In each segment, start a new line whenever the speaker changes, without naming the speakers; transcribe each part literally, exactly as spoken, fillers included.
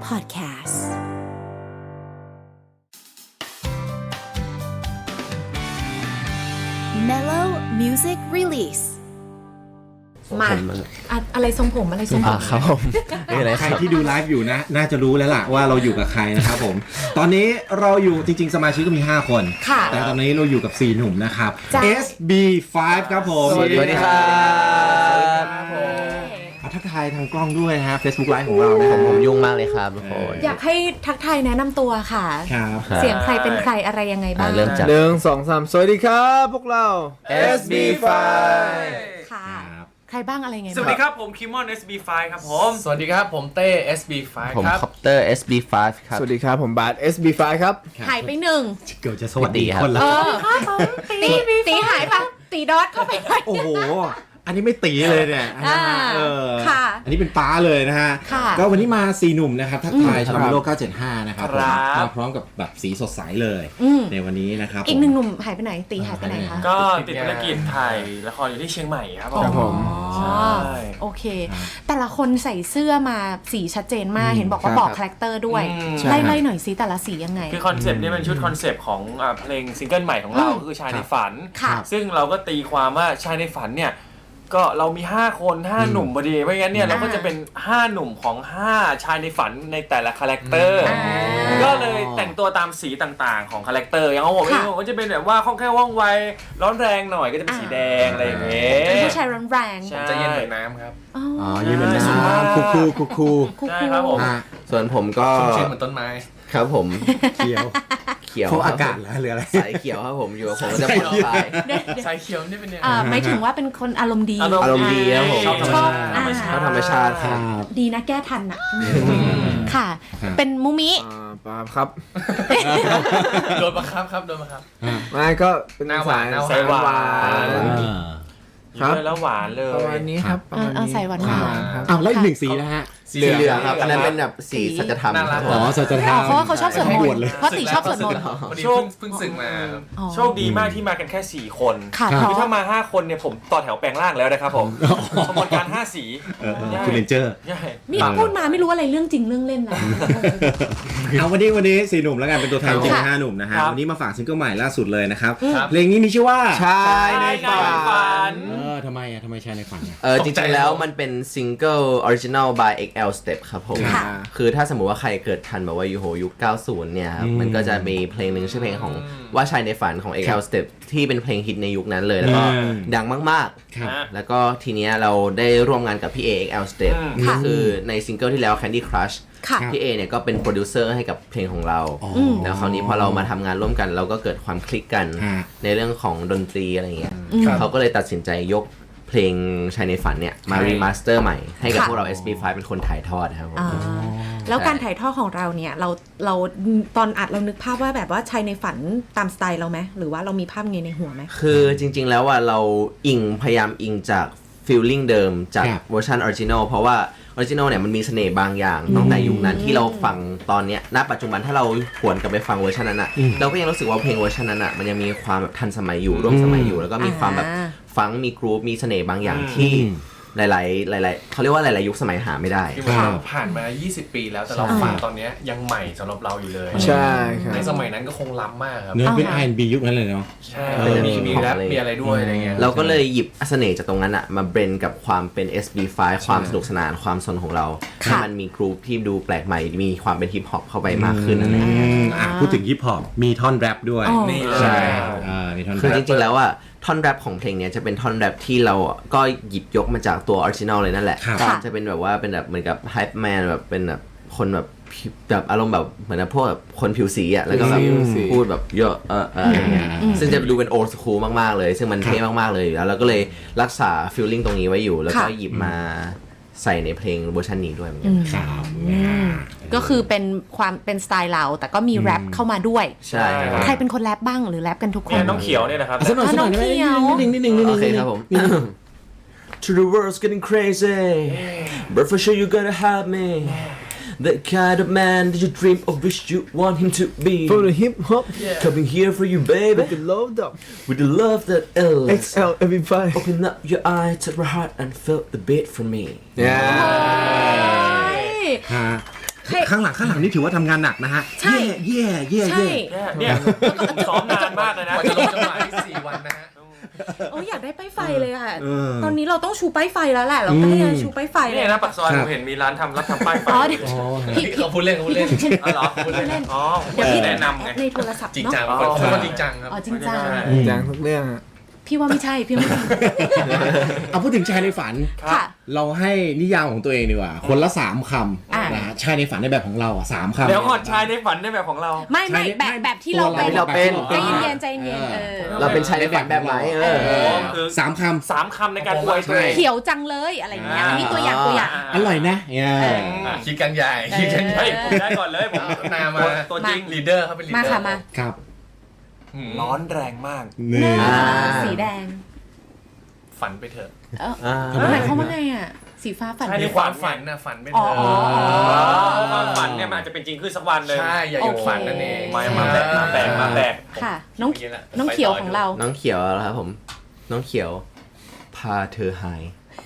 Podcast Mellow Music Release
มาอะอะไรทรงผมอะไรทรงผม
ครับผมใครที่ดูไลฟ์อยู่นะน่าจะรู้แล้วล่ะว่าเราอยู่กับใครนะครับผมตอนนี้เราอยู่จริงๆสมาชิกก็มีห้าคนแต่ตอนนี้เราอยู่กับสี่หนุ่มนะครับ เอส บี ไฟว์ ครับผม
สวัสดีครับ
ทักทายทางกล้องด้วยนะฮะ Facebook Live ของเรานะครับ
ผมยุ่งมากเลยครับทุกคน
อยากให้ทักทายแนะนำตัวค่ะ
ครับ
เสียงใครเป็นใครอะไรยังไงบ้าง
เริ่มจาก
หนึ่งสองสามสวัสดีครับพวกเรา
เอส บี ไฟว์
ค่ะใครบ้างอะไรไงบ้าง
สวัสดีครับผมคิมมอน เอส บี ไฟว์ ครับผม
สวัสดีครับผมเต้ เอส บี ไฟว์
ผม
ครับ
คอปเตอร์ เอส บี ไฟว์ ครับ
สวัสดีครับผมบาส เอส บี ไฟว์ ครับ
หายไปหนึ่ง
เกือบจะสวัสดีคนละ
เออตีตีหายไปตีดอทเข้าไปหน่อย
โอ้โหอันนี้ไม่ตีเลยเนี่ยนะฮะเออ
ค่ะ
อันนี้เป็นป้าเลยนะฮะ
ค่ะ
ก็วันนี้มาสี่หนุ่มนะครับทักทายชาวโลกเก้าเจ็ดห้านะครับ
ครับ
มาพร้อมกับแบบสีสดใสเลยในวันนี้นะครับ
อีกหนึ่งหนุ่มหายไปไหนตีหายไปไหนคะ
ก็ติดภารกิจถ่ายละครอยู่ที่เชียงใหม่ครับผม
ครับผม
ใช่
โอเค แต่ละคนใส่เสื้อมาสีชัดเจนมากเห็นบอกว่าบอกคาแรคเตอร์ด้วย
อืม
ไล่ไล่หน่อยสิแต่ละสียังไง
คือคอนเซปต์นี้เป็นชุดคอนเซปต์ของอ่าเพลงซิงเกิลใหม่ของเรา
อืม
คือชายในฝัน
ค่ะ
ซึ่งเราก็ตีความว่าชายในฝันเนี่ยก็เรามีห้าคนห้าหนุ่มพอดีไม่งั้นเนี่ยเราก็จะเป็นห้าหนุ่มของห้าชายในฝันในแต่ละคาแรคเตอร์
อ่า
ก็เลยแต่งตัวตามสีต่างๆของคาแรคเตอร์อย่างของผมเอง
ค่ะ
ผมก็จะเป็นแบบว่าคล่องแคล่วว่องไวร้อนแรงหน่อยก็จะเป็นสีแดงอะไรอย่างเงี้ย
เป็นผู้ชายร้อนแรง
ใช่
จะเย็นเหมือนน้ำครับ
อ๋อ
อ๋อยืนเป็นน้ำคูคูคูคู
คู่
ใช่
คู่
ครับผม
อ่ะ
ส่วนผมก็
ชุ่มชื้นเหมือนต้นไม้
ครับผม
เขียว
เขียว
เขาอากาศแล้วหรืออะไร
สายเขียวครับผมอยู่กับผมก็จะผ่อนคลาย
สายเขียวนี่เป็นยังไง
อ่าหมายถึงว่าเป็นคนอารมณ์ดี
อารมณ์
อารมณ์ดีครับผม
ชอบธรรมชาติ
อ่า
ชอบธรรมชาติครับ
ดีนะแก้ทันอ่ะค่ะ
ครับ
เป็นมูมิ
อ่าปาล์มครับ
โดนบังคับครับโดนบังคับ
ไม่ก็เป็น
หน้าหวานหน้าหวาน
สายหวาน
อ่า
ครับ
เยอะแล้วหวานเลย
ประมาณนี้ครับประมาณ
เอา
นี้
ใส่หวาน
อ่
ๆ
ครับ
อ้าวแล้วอีกหนึ่งสีนะฮะ
สีเหลืองครับอันนั้นเป็นแบบสีสัจธรรม
น่ารัก
อ๋อสัจธรร
อ๋อ
ม
เพราะว่าเขาชอบสวดม
บ
น
วช
ต์
เลย
เพราะตีชอบสวดมนต์
พอดีเพิ่งเพิ่งสึกมา
อ๋อ
โชคดีมากที่มากันแค่สี่คน
ค่ะ
ครับ
เพ
คือ
ราะ
ถ้ามาห้าคนเนี่ยผมต่อแถวแปลงร่างแล้วนะครับผมขบวนการห้าสี
เออเออคุณเรนเจอร์
ใช่
นี่พูดมาไม่รู้อะไรเรื่องจริงเรื่องเล่นนะ
เอาวันนี้วันนี้สี่หนุ่มแล้วกันเป็นตัวแทนจริง
ค่ะ
ห้าหนุ่มนะฮะ
ครับ
วันนี้มาฝากซิงเกิลใหม่ล่าสุดเลยนะครับ
ครับ
เพลงนี้มีชื่อว่า
ชายในฝัน
ฝัน
เออทำไมอ่ะทำไมชายในฝันอ่ะ
เออจริงๆแล้วมันเป็นซิงเกิลออริจินัล by เอ็กซ์ แอล Step ครับผม
ค่ะ
คือถ้าสมมุติว่าใครเกิดทันแบบว่ายูโหยุค เก้าสิบ เนี่ยครับ
อืม
มันก็จะมีเพลงหนึ่งชื่อเพลงของว่าชายในฝันของ เอ็กซ์ แอล Step ที่เป็นเพลงฮิตในยุคนั้นเลย แล้วก็
อืม
ดังมาก
ครับ
ฮะ
ๆ แล้วก็ทีเนี้ยเราได้ร่วมงานกับพี่เอ เอ็กซ์ แอล Step
อืม
ก็คือในซิงเกิลที่แล้ว Candy Crush
ค่ะ
พี่เอเนี่ยก็เป็นโปรดิวเซอร์ให้กับเพลงของเรา
อ๋อ
แล้วคราวนี้พอเรามาทำงานร่วมกันเราก็เกิดความคลิกกัน
ฮะ
ในเรื่องของดนตรีอะไรเงี้ย
อืม
เขาก็เลยตัดสินใจยกเพลงชายในฝันเนี่ยมา
ใช่
รีมาสเตอร์ใหม่ให้กับ
ค่ะ
พวกเรา เอส บี ไฟว์ เป็นคนถ่ายทอดครับผม
อ่าแล้วการถ่ายทอดของเราเนี่ยเราเราตอนอัดเรานึกภาพว่าแบบว่าชายในฝันตามสไตล์เราไหมหรือว่าเรามีภาพไงในหัวไหม
คือจริงๆแล้วว่าเราอิงพยายามอิงจากฟีลลิ่งเดิมจาก
ครับ
เวอร์ชันออริจินอลเพราะว่าออริจินอลเนี่ยมันมีเสน่ห์บางอย่างตั้งแต่ยุคนั้นที่เราฟังตอนเนี้ยณปัจจุบันถ้าเราหวนกลับไปฟังเวอร์ชันนั้นอ่ะ
อืม
เราก็ยังรู้สึกว่าเพลงเวอร์ชันนั้นอ่ะมันยังมีความแบบทันสมัยอยู่ร่วมสมัยอยู่ แล้วก็มีความแบบ
อ่า
ฟังก์มีกรูฟมีเสน่ห์บางอย่าง
อืม
ที่หลายๆหลายๆเขาเรียกว่าหลายๆยุคสมัยหาไม่ได้
คือ
ครับ
ผ่านมา ยี่สิบ ปีแล้วแต่เราฟังตอนเนี้ยยังใหม่สำหรับเราอยู่เลย
ใช่ครับ
ในสมัยนั้นก็คงล้ำมากครับ
เนื้อเป็น
อ่า
อาร์ แอนด์ บี ยุคนั้นเลยเนาะ
ใช่
เออ
มีมีแรป
เลย
มีอะไรด้วยอะไรเงี้ย
เราก็เลยหยิบเสน่ห์จากตรงนั้นอะมาเบรนกับความเป็น เอส บี ไฟว์ ความสนุกสนานความสนของเรา
ค่ะ
ให้มันมีกรูปที่ดูแปลกใหม่ มีความเป็นฮิปฮอปเข้าไปมากขึ้นอะไร
อื
เงี้ย
มอ่ะพูดถึงฮิปฮอปมีท่อนแรปด้วย
อ๋อ
นี่เลย
ใช่อ่ามีท่อน
คือ
แร
จ
ป
ริงๆแล้วอะท่อนแรปของเพลงเนี้ยจะเป็นท่อนแรปที่เราอะก็หยิบยกมาจากตัวออริจินอลเลยนั่นแหละ
ครับ
ค่ะ
จะเป็นแบบว่าเป็นแบบเหมือนกับไฮป์แมนแบบเป็นแบบคนแบบผิวแบบอารมณ์แบบเหมือนกับพวกแบบคนผิวสีอะแล้วก็แบบ
ผิวสี
พูดแบบเยอะเออเอออะไรเงี้ยซึ่งจะดูเป็นโอ d สคูลมากๆเลย ซึ่งมันเท่มากๆเลยอยู่แล้วเราก็เลยรักษาฟีลลิ่งตรงนี้ไว้อยู่ แล้วก็
ค่ะ
หยิบมาใส่ในเพลงเวอร์ชันนี้ด้วยเหมือนกัน
ครับ
อืมก็คือเป็นความเป็นสไตล์เราแต่ก็มีแรปเข้ามาด้วย
ใช่ครับ
ใครเป็นคนแรปบ้างหรือแรปกันทุกค
เนี่ย
น
น้องเขียวเนี่ยนะครับ
สักหน่อยสักหน่อย
น้องเขียว
นิดนึงนิดนึงนิดนึง
โอเคครับผม To the world's getting crazy but for sure you gotta have me the kind of man that you dream of wish you want him to be
For the hip hop
coming here for you baby
with the load up
with the love that is
เอ็กซ์ แอล เอส บี ไฟว์
open up your eye to my heart and feel the beat from me
เนี่ย
ฮะข้างหลังข้างหลังนี่ถือว่าทำงานหนักนะฮะ
ใช่
เย่เย่
ใช่
เย่
เนี่ยเนี่ยซ้อมนานมากเลยนะ
กว่าจะลงจังหวะที่สี่วันนะฮะ
โอ้ยอยากได้ป้ายไฟเลยอ่ะ
เออ
ตอนนี้เราต้องชูป้ายไฟแล้วแหละ เราก็เลยชูป้ายไฟเล
นี่
ย
นะปากซอย
ค
ผ
รับ
มเห็นมีร้านทำรับทำป้ายไฟ
อ๋อเดี๋ยว
พี่เขาพูดเล่นเขาพูดเล่น
อ๋อเหรอ
พูดเล่น
อ๋อ
เดี๋ยวพี่
แนะนำไง
ในโทรศัพท์
จริง
เนาะ
จัง
อ๋อ
คนคนจริงจังครับ
อ๋อจริงจัง
จางทุกเรื่องอะ
พี่ว่าไม่ใช่ พี่ว่าไม่ใช่
เอาพูดถึงชายในฝัน
ค่ะ
เราให้นิยามของตัวเองดีกว่า คนละสามค
อ่ะ
ำนะฮะชายในฝันในแบบของเราอ่ะสามคำ
เดี๋ยวก่อนชายในฝันในแบบของเรา
ไม่ไม่
ใช่
แบบแบบที่เรา
ตัว
เป็น
เราเป็น
ใจเย็นๆใจเย็นๆเออ
เราเป็นชายในฝันแบบไหนเออ
โอ้คือ
สามค
สามคำในการอวยตัวเอง
เขียวจังเลยอะไรอย่างเงี้ยนี่ตัวอย่างตัวอย่าง
ำอร่อยนะเนี่ย
อ่ะคิดกันใหญ่คิดกันใหญ่
เฮ้ยผมได้ก่อนเลยผม
นามา
ตัวจริง
ลีดเดอร์เขาเป็นลีด
มา
เดอร์
ค่ะมา
ครับ
อืม
ร้อนแรงมาก
นี่
อ่า
สีแดง
ฝันไปเถอะ
เออ
อ่า
หมายความว่าไงอ่ะ สีฟ้าฝัน
ใช่
มีความฝันนะฝันไปเถอะ
อ๋อ
ความฝันเนี่ยมันอาจจะเป็นจริงขึ้นสักวันเลย
ใช่อย่าหยุดฝันนั่นเอง
มามาแบกมาแบกมาแบก
ค่ะ น้องน้องเขียวของเรา
น้องเขียวแล้วครับผม น้องเขียว พาเธอหาย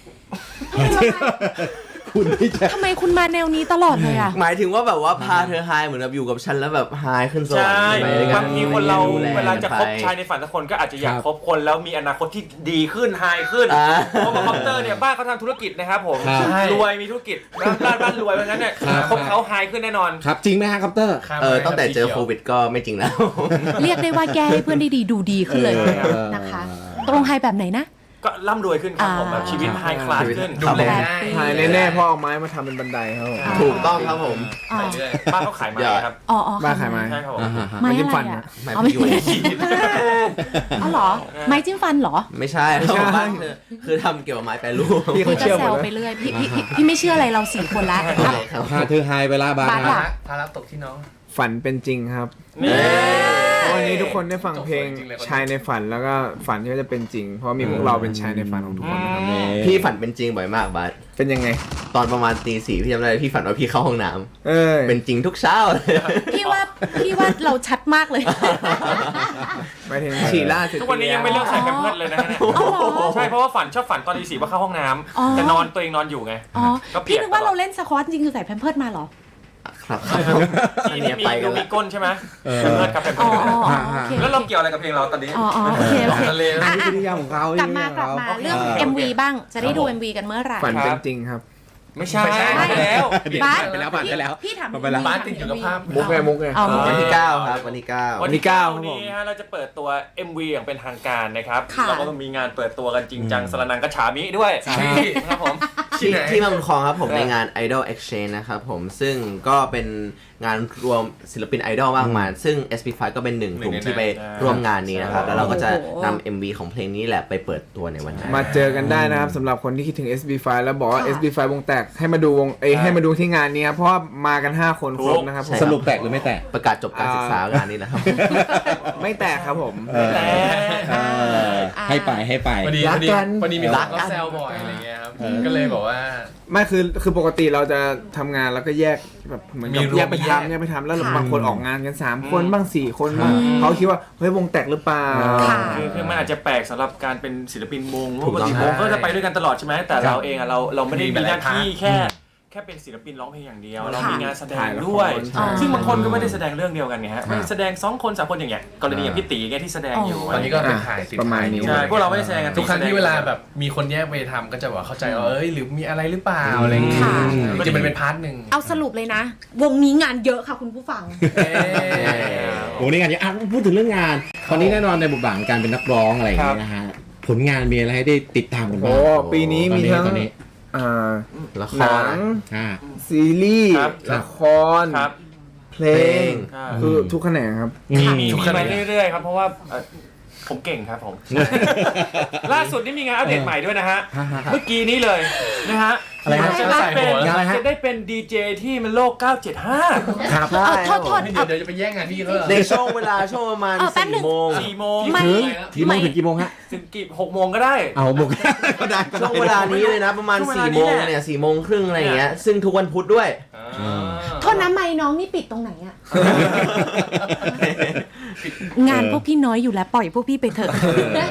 คุณที่จะ
ทำไมคุณมาแนวนี้ตลอดเลยอ่ะ
หมายถึงว่าแบบว่าพาเธอหายเหมือนแบบอยู่กับฉันแล้วแบบหายขึ้นสวรร
ใช่
ค์ไปด้วยกัน
บางทีคนเรา
ดูแ
เวลาจะคบ
ไป
ชายในฝันสักคนก็อาจจะอยาก
ครับ
คบคนแล้วมีอนาคตที่ดีขึ้นไฮขึ้น
อ่า
เพราะว่าคอปเตอร์เนี่ยบ้านเขาทำธุรกิจนะครับผม
ครับ
รวยมีธุรกิจบ้านบ้านบ้านรวยเพราะฉะนั้นเนี่ย
ครับ
คบเขาไฮขึ้นแน่นอน
ครับจริงไหมฮะคัปเตอร์
ข้าม
เออ
ไป
ตั้งแต่เจอ
สีขียว
โควิดก็ไม่จริงแล้ว
เรียกได้ว่าแก้ให้เพื่อนได้ดีดูดีขึ้นเลย
เออ
นะคะ ตรงไฮแบบไหนนะ
ก็ร่ำรวยขึ้นครับผม
อ่า
แบบชีวิตไฮคลาสขึ้น
ดูแลได้
หายแน่ๆเพราะเอาไม้มาทำเป็นบันไดครับผม
ถูกต้องครับผม
อ๋อ
ไปเรื่อย
บ้านเขาขายไม้ครับ
อ๋ออ๋อ
บ้าขายไม้
ใช่ครับผม
อ่าฮะ
ไม้
ไม้จิ้
อะ
ม
ไร
ฟัน
อ่ะ
นะ
ไม้
อ๋อ
พยุง
อ๋อเหรอ ไม้จิ้มฟันเหรอ
ไม่ใช่
ไม่ใช่
บ้านเธอคือทำเกี่ยวกับไม้แปรรูป
พี่เขา
พี่ก็
เชื่อห
แซ
มด
ว
เลย
ไปเรื่อยพี่พี่พี่พี่ไม่เชื่ออะไรเราสี่คนละ
พาเธอไฮไปละบา
บา
ร์
ร์
ภาระภาระตกที่น้อง
ฝันเป็นจริงครับ
นี่
วันนี้ทุกคนได้ฟังเพลง
จบสวยจริงเลย
ชายในฝันแล้วก็ฝันที่จะเป็นจริง เพราะมีพวกเราเป็นชายในฝันของทุกคนนะครับ
พี่ฝันเป็นจริงบ่อยมากบัส
เป็นยังไง
ตอนประมาณตีสี่พี่จำได้พี่ฝันว่าพี่เข้าห้องน้ำ
เออ
เป็นจริงทุกเช้าเลย
พี่ว่าพี่ว่าเราชัดมากเลย
หมายถึงฉี่ล่าสุด
ทุกวันนี้ยังไม่เลิกใส่แพมเพิร์สเลยนะฮะเนี่ย
อ๋อเหรอ
ใช่เพราะว่าฝันชอบฝันตอนตีสี่ว่าเข้าห้องน้
อ๋อ
ำแต่นอนตัวเองนอนอยู่ไง
อ๋อ
ก็เปลี่
พี่
ยน
นึกว่า
ตลอด
เราเล่นสควอตจริงคือใส่แพมเพิร์ดมาเหรอ
ครับ อัน
ที่
เนี้ย
มี
ไปกั
ดู
น
มี
ละ
ก้นใช่ไหม
เออ
แพมเพิร์สกับแพม
อ๋
เพิ
อ
ร์ส
อ๋ออ๋อโอเค
แล้วเราเกี่ยวอะไรกับเพลงเราตอนนี้
อ๋ออ๋อโอเคโอเค
ทะเล
อ่ะ
นี่
อ่ะ
คือนิยามของเขา
กลับมากลับมาเรื่อง เอ็ม วี บ้าง จะได้ดู เอ็ม วี กันเมื่อไหร่
ฝันเป็นจริงครับ
ไม่ใช่
ไม่ใช่
ไปแล้ว
บ้าน
ไปแล้วผ่านไปแล้ว
พี่ถาม
ไปแล้ว
บ้านติดอยู่กับภาพ
มุกไงมุกไง
อ๋อ
วันที่เก้าครับวันที่เก้า
วัน
ที่
ที่เก้า
ครับผม
นี้ฮะเราจะเปิดตัว เอ็ม วี อย่างเป็นทางการนะครับ
ค่ะ
เราก็ต้องมีงานเปิดตัวกันจริงจังสรนังกระฉามิด้วยครับผม
ที่
ที่ไหน
ที่มาบุญครองครับผมในงาน Idol Exchange นะครับผมซึ่งก็เป็นงานรวมศิลปินไอดอลมากมายซึ่ง เอส พี ไฟว์ ก็เป็นหนึ่งกลุ่มที่ไปร่วมงานนี้นะครับ แล้วเราก็จะนำ เอ็ม วี ของเพลงนี้แหละไปเปิดตัวในวันนั้น
มาเจอกันได้นะครับสำหรับคนที่คิดถึง เอส บี ไฟว์ แล้วบอกว่า เอส บี ไฟว์ วงแตกให้มาดูวงเอยให้มาดูที่งานนี้ครับเพราะว่ามากันห้าคนครบนะครับผม
สรุปแตกหรือไม่แตก
ประกาศจบการศึกษางานนี้นะครับ
ไม่แตกครับผม
แต่
เออให้ไปให้ไป
พอดี
รั
พ
ก
อดี
กัน
พอดีมี
รั
รั
ก
ก
กั
ก็
น
แซวบ่อยอะไรเงี้ยครับก็เลยบอกว่า
ไม่คือคือปกติเราจะทำงานแล้วก็แยกแบบเหมือนกับ
มีรวม
แยกไป
แยก
ทำแยกไปทำแล้ว
ค่ะ
บางคนออกงานกันสามคนบ้างสี่คนบ้างเขาคิดว่าเฮ้ยวงแตกหรือเปล่า
ค่ะ
คือคือมันอาจจะแปลกสำหรับการเป็นศิลปินวงเพ
ถู
ราะ
ก
ปก
ต้อง
ติวงก็จะไปด้วยกันตลอดใช่ไหมแต่เราเองอะเราเราไม่ได้
มี
มีหน้า
หลายพาร์ท
ที่แค่แค่เป็นศิลปินร้องเพลงอย่างเดียว เรามีงานแสดง
ถ่ายละคร
ด้วย
ใช่
ซึ่งบางคนก็ไม่ได้แสดงเรื่องเดียวกันไงฮะไม่แสดงสองคนสามคนอย่างเงี้ยกรณีอย่างพี่ตีแกที่แสดงอยู่
ตอนนี้ก็เป็นถ่ายติด
ประมาณ
ถ่าย
นี้
ใช่พวกเราไม่ได้แสดงกัน
ทุกครั้งที่เวลาแบบมีคนแยกไปทำก็จะบอกเข้าใจว่าเอ้ยหรือมีอะไรหรือเปล่าอะไรเงี้ย
ค่ะ
จริงๆมันเป็นพาร์ทหนึ่ง
เอาสรุปเลยนะ วงนี้งานเยอะค่ะคุณผู้ฟัง
เอ๊ะ
โอ้นี่งานนี้อ่ะพูดถึงเรื่องงาน ตอนนี้แน่นอนในบทบาทของการเป็นนักร้องอะไรอย่างเงี้ยนะฮะ ผลงานมีอะไรให้ได้ติดตามกัน
โอ้
บ้าง
ปีนี้มีทั้ง
ตอนนี้
อ่า
ละค
หนั
รง
อ่า
ซีรีส์
ครับ
ละคร
ครับ
เพลง
อ่า
คือทุกแขนงครับ
อืม
มีมาเรื่อยๆครับเพราะว่าเอ่อผมเก่งครับผม ล่าสุดนี่มีงานอัปเดตใหม่ด้วยนะฮะ เมื่อกี้นี้เลยนะฮะ
อะไรฮะ
จะได้เป็น
งานอะไรฮะ
จะได้เป็นดีเจที่มันโลกเก้าเจ็ดห้า
ครับ
ใช่
โทษโทษ
เดี๋ยวเดี๋ยวจะไปแย่งงานพี่เขาเหรอ
ในช่วงเวลาช่วงประมาณ
เออแป๊บหนึ่
สี่
ง
โมง
สี่โมง
ไม่
ถึงกี่โมงถึงกี่โมงฮะ
ถึงกี่หกโมงก็ได้
เอาบุก ก็ได้ก็ได้
ช่วงเวลานี้เลยนะประมาณ
ช่วงเวลา
สี่
นี้
โมง
แหละ
เนี่ยสี่โมงครึ่งอะไรอย่างเงี้ยซึ่งทุกวันพุธด้วย
โทษนะไม้น้องนี่ปิดตรงไหนอะ งานพวกพี่น้อยอยู่แล้วปล่อยพวกพี่ไปเถอะ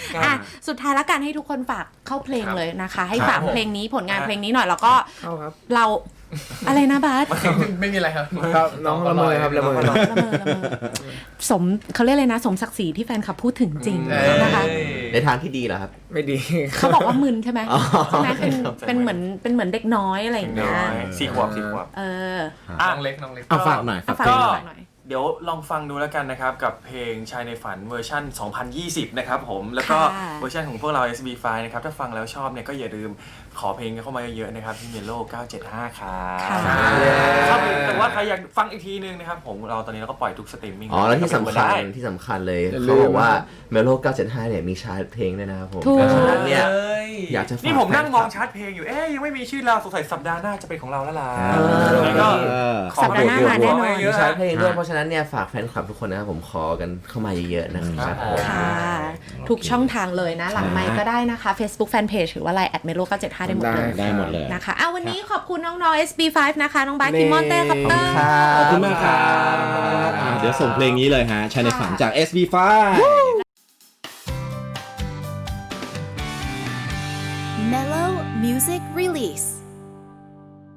อ่ะสุดท้ายแล้วกันให้ทุกคนฝากเข้าเพลงเลยนะคะ ให้
ครับ
ฝากเพลงนี้ผลงานเพลงนี้หน่อยแล้วก็
เข้าครับ
เราอะไรนะบาส
ไม่มีอะไรครับ
ครับน้องละเมอครับละเมอ
ละเมอละเมอสมเขาเรียกเลยนะ สมศักดิ์ศรีที่แฟนคลับพูดถึงจริง
เอ้ย
นะคะ
ในทางที่ดีเหรอครับ
ไม่ดี
เขาบอกว่ามึนใช่ไหม
อ๋อ
ใช่ไหมเป็นเป็นเหมือนเป็นเหมือนเด็กน้อยอะไรอย่าง
น้
เงี้ย
อยสี่ขวบสี่ขวบ
เออ
อ่ะ
น้องเล็กน้องเล็ก
เอาฝากหน่อย
เอา
ฝาก
ฝาก
เพลง
ห
หน่อย
น่อย
เดี๋ยวลองฟังดูแล้วกันนะครับ กับเพลงชายในฝันเวอร์ชันสองพันยี่สิบ นะครับผม แล้วก็
ค่ะ
เวอร์ชันของพวกเรา เอส บี ไฟว์ นะครับ ถ้าฟังแล้วชอบเนี่ยก็อย่าลืมขอเพลงเข้ามาเยอะๆนะครับที่เมโลเก้าเจ็ดห้าครับ
ค่ะ
ครับแต่ว่าใครอยากฟังอีกทีนึงนะครับผมเราตอนนี้เราก็ปล่อยทุกสตรีมมิ่ง
อ๋อ แล้วที่สำคัญ
ได้
ที่สำคัญเลย
อย่าลืม
เขาบอกว่าเมโลเก้าเจ็ดห้าเนี่ยมีชาร์ตเพลงด้วยนะครับผม
ถูก
เพราะฉะนั้นเนี่ย
เอ้ย
อยากจะฝาก
นี่ผมนั่งมอง
แฟคลับ
ชาร์ตเพลงอยู่ เอ๊ยยังไม่มีชื่อเราสงสัยสัปดาห์หน้าจะเป็นของเราแล้วล่ะ
เออ
แล้วก็
เออ
ขอ
สัปดาห์หน้ามาแน่นอน
เย
มี
อะ
ชาร์ตเพลงด้วย
ฮะ
เพราะฉะนั้นเนี่ยฝากแฟนคลับทุกคนนะครับผมขอกันเข้ามาเยอะๆนะครับผม
ค่ะ ทุกช่องทางเลยนะ หลังไมค์ก็ได้นะคะ Facebook Fanpage หรือว่า ไลน์ แอท เมโลเก้าเจ็ดห้า ได้หมดเลย
ได้หมดเลย
นะคะเอาวันนี้ขอบคุณน้องๆ เอส บี ไฟว์ นะคะ น้องบาสคิมมอนเต้ครับเตอร์
ขอบคุณมากครับอ่าเดี๋ยวส่งเพลงนี้เลยฮะชายในฝันจาก เอส บี ไฟว์
Mellow Music Release.